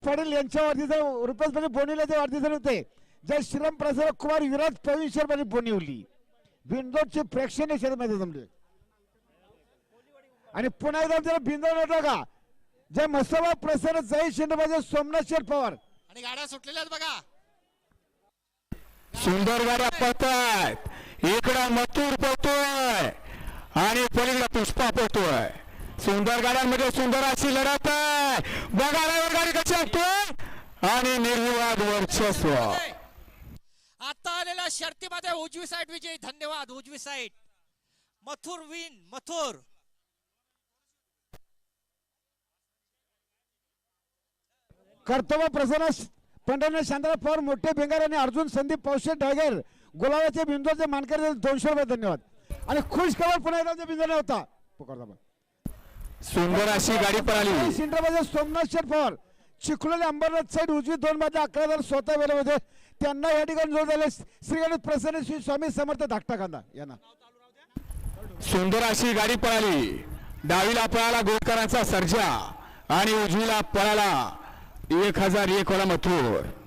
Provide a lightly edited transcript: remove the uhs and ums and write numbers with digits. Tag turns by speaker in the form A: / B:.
A: पाटील यांच्या वाढदिवसा रुपेश बोनीला वाढदिवस होते. जय श्रीराम प्रसाद कुमार विराज प्रवीण शर्मा बोनिवली बिंदोडचे प्रेक्षणीय क्षेत्रामध्ये जमले. आणि पुन्हा एकदा जरा बिंदोड होता का जय मसोबा प्रसन्न जय शिंदे सोमनाथ शेठ पवार
B: आणि गाड्या सुटलेल्या आहेत बघा.
C: सुंदर गाड्या पळतायत. इकडं मथुर पळतोय आणि पलीकडे पुष्पा पळतोय. सुंदर गाड्यांमध्ये सुंदर अशी लढत आहे. बघा गाडी कशी असतोय आणि निर्विवाद वर्चस्व.
B: आता आलेल्या शर्तीमध्ये उजवी साईड विजयी. धन्यवाद उजवी साईड. मथुर विन मथुर.
A: कर्तव्य प्रसन्न पंढरनाथ शांतराव पवार मोठे बेंगार आणि अर्जुन संदीप पौशे ढागर गुलाबाचे बिंदूचे मानकरी 200 रुपये. धन्यवाद. आणि खुश खबर पुन्हा एकदा बिंदू होता.
C: सुंदर अशी गाडी पळाली.
A: सिंद्राबाद सोमनाथ शेठ पवार चिखलोली अंबरनाथ साईड उजवी 2 मध्ये 11 स्वतः वेळे होते. त्यांना या ठिकाणी जोड झाले श्री गणेश प्रसन्न श्री स्वामी समर्थ धाकटा कांदा यांना.
C: सुंदर अशी गाडी पळाली. डावीला पळाला गोडकरांचा सर्जा आणि उजवीला पळाला 1001 वाला मथुर.